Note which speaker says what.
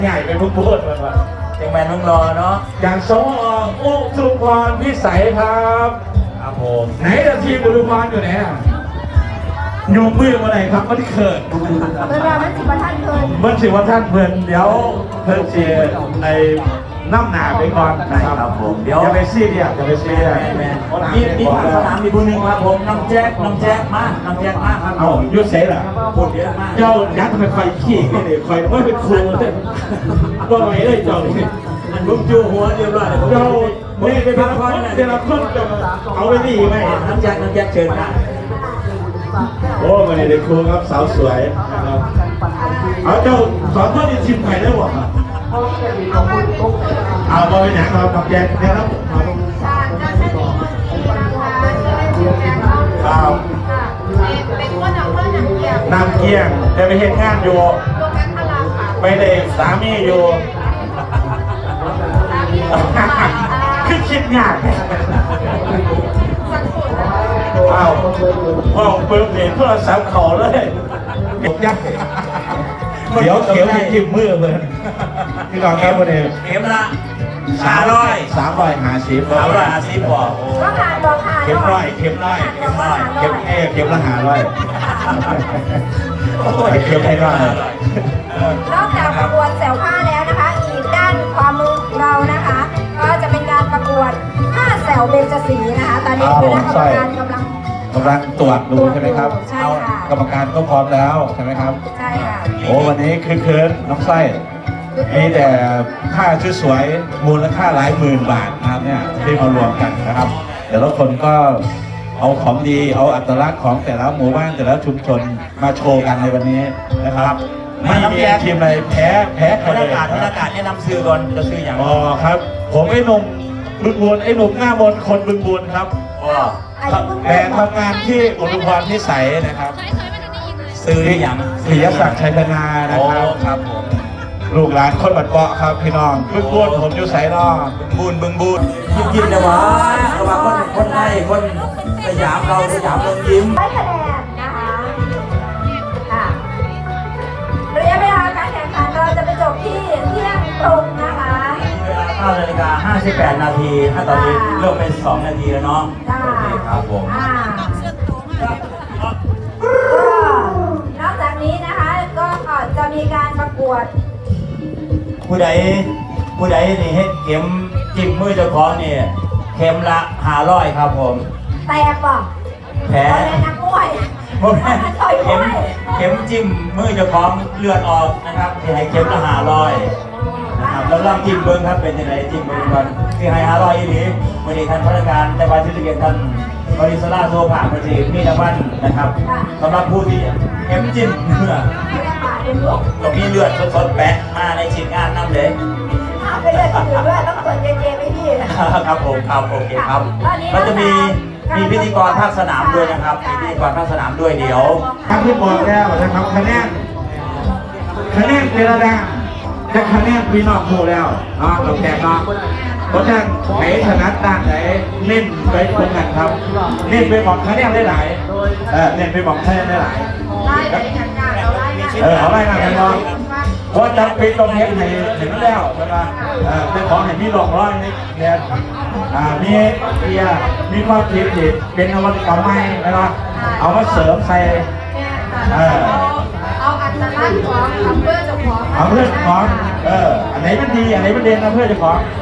Speaker 1: ใหญ่เป็นผู้พูดมันว่า
Speaker 2: จังแมนมึงรอเนาะ
Speaker 1: อย่างสมออุทุมพรพิสัยครับ
Speaker 2: ครับผม
Speaker 1: ไหนจะทีมอุทุมพรอยู่ไหนอ่ะโยมมือมาไหนครับมันเขิน
Speaker 3: เวลามันสิบท่านเคย
Speaker 1: เมื่อสิว่าท่านเพื่อนเดี๋ยวเพื่อนเชียร์ไอ้น้ำหนาไปก่อนนะครับผมอย่าไปซีเรียสอย่าไปซีเรียส
Speaker 2: มีทางสนามมีผู้หนึ่งครับผมน้องแจ๊คมาน้องแจ๊คมาครับ
Speaker 1: เอายุดเสร็จเหรอ
Speaker 2: พูดเยอะมาก
Speaker 1: เจ้ายัดไปคอยขี้นี่คอยว่าเป็นครูเลยว่าไงเลยเจ้านี่
Speaker 2: ลุงจูหัวเรียบร้อย
Speaker 1: เจ้านี่เป็นคนแต่ละคนจะเอาไปดีไหม
Speaker 2: น้ำแจ๊คเชิญค่ะ
Speaker 1: โอ้มาในครูครับสาวสวยนะครับเอาเจ้าสอนท่านในทีมไทยได้บ่เอาบอลหนังเรากับแจกนะครับ
Speaker 3: เป็นคนอำเภอหนังเกียง
Speaker 1: นำเกียงจะไปเห็นงานอยู่
Speaker 3: โรงงานพลาค่ะ
Speaker 1: ไปเด็กสามีอยู่คือคิดยากเอาห้องเปิดเพลงโทรศัพท์เขาเลยยักเดี๋ยวเขียวให้จิ้มมือเลยพี่กองครับวันนี้
Speaker 2: เข็มละ300
Speaker 1: 350
Speaker 2: บอก
Speaker 3: ก็หาบอกหา
Speaker 1: เข็มร้อยเข็มร้อยเข็มเข็มละ500เข็มให้ร้อย
Speaker 3: นอกจากประกวดแสวผ้าแล้วนะคะ อีกด้านความรู้ของเรานะคะ ก็จะเป็นการประกวดผ้าแสวเบญจศรีนะคะ ตอนนี้คณะกรรมการกำลัง
Speaker 1: ตรวจดูใช่ไหมครับ
Speaker 3: ใช่ค่ะ
Speaker 1: กรรมการก็พร้อมแล้วใช่ไหมครับ
Speaker 3: ใช่ค่ะ
Speaker 1: โอ้วันนี้คือเคิร์นน้องไส้มีแต่ผ้าชุดสวยมูลค่าหลายหมื่นบาทนะครับเนี่ยที่มารวมกันนะครับแต่ละคนก็เอาของดีเอาอัตลักษณ์ของแต่ละหมู่บ้านแต่ละชุมชนมาโชว์กันในวันนี้นะครับไม่มีทีมใดแพ้ใคร
Speaker 2: บรร
Speaker 1: เลย
Speaker 2: ยากาศแนะนำซื้อก่อนจะซื้ออย่าง
Speaker 1: อ๋อครับ ผมไอ้หนุ่มบึงบูนไอ้หนุ่มหน้ามนต์คนบึงบูนครับ
Speaker 2: ว่า
Speaker 1: แต่ทำงานที่อุดมพรพิสัยนะครับ
Speaker 2: ซื้ออย่าง
Speaker 1: ศิยศักดิ์ชัยธนานะ
Speaker 2: โอ้
Speaker 1: ครับ
Speaker 2: ครับผม
Speaker 1: ลูกหลานคนบัดเปาะครับพี่น้องบึงบูนผมอยู่ไสนอ
Speaker 2: บึงบูนยิ้มเลยวะระหว่างคนไทยคนสยามเราสยามเมืองยิ้ม
Speaker 3: ได้คะแนนนะคะค่ะระยะเวลาการแข่งขันเราจะไปจบที่เที่ยงตรงนะคะ
Speaker 2: 9 นาฬิกา 58 นาทีถ้าตอนนี้เริ่มเป็น 2 นาทีแล้วเนาะ
Speaker 3: จ้า
Speaker 2: โอเคครับผม
Speaker 3: นอกจากนี้นะคะก็จะมีการประกวด
Speaker 2: ผู้ใดนี่ให้เข็มจิ้มมือเจ้าของนี่เข็มละ500ครับผม
Speaker 3: แตกป่ะ
Speaker 2: แผล
Speaker 3: เป็นนักมวย
Speaker 2: ผมแพ้
Speaker 3: ต่อยมวย
Speaker 2: เข็มจิ้มมือเจ้าของเลือดออกนะครับที่ให้เข็มละ500นะครับแล้วลองจิ้มเบิ้งครับเป็นยังไงจิ้มเบิ้งก่อนที่ให้500อีหลีวันนี้ท่านพนักงานในวันที่เกียรติท่านบริสลาโซผ่านมาทีมีรางวัลนะครับสำหรับผู้ที่เข็มจิ้มเนื้อ
Speaker 3: ไม่ได้ป่าเป็นลูก
Speaker 2: ตรงนี้เลือดสดๆแปะมาในชิ้นงานน้ำเลย
Speaker 3: เอาไปเลยถือด้วยต้องตรวจเจไม่พี่นะครับ
Speaker 2: ผมครับโอเคครับมันจะมีพิธีกรภาคสนามด้วยนะครับมีพิธีกรภาคสนามด้วยเดี๋ยว
Speaker 1: ทางที่บอกแล้วนะครับคะแนนเจรดาจะคะแนนพี่น้องคู่แล้วเราแข่งเนาะเพราะฉะนั้นไหนถนัดด้านไหนเน้นไปตรงนั้นครับเน้นไปบอกคะแนนได้หลายเน้นไปบอกคะแนนได้หลาย
Speaker 3: ไล่ไปทางงานเราไล่มา
Speaker 1: เอาไล่มากันเนาะเพราะจะเป็นตรงนี้ให้ถึงแล้วใช่ไหมเป็นของให้มีหลอกร้อยนี่เนี่ยมีเบียร์มีความคิดที่เป็นนวัตกรรมใหม่นะครับเอามาเสริมใส่
Speaker 3: เอาอัตลักษณ์ของอำเภอเจ้าของ
Speaker 1: เอาเพื่อนของอันไหนมันดีอันไหนมันเด่นนะเพื่อนเจ้าของ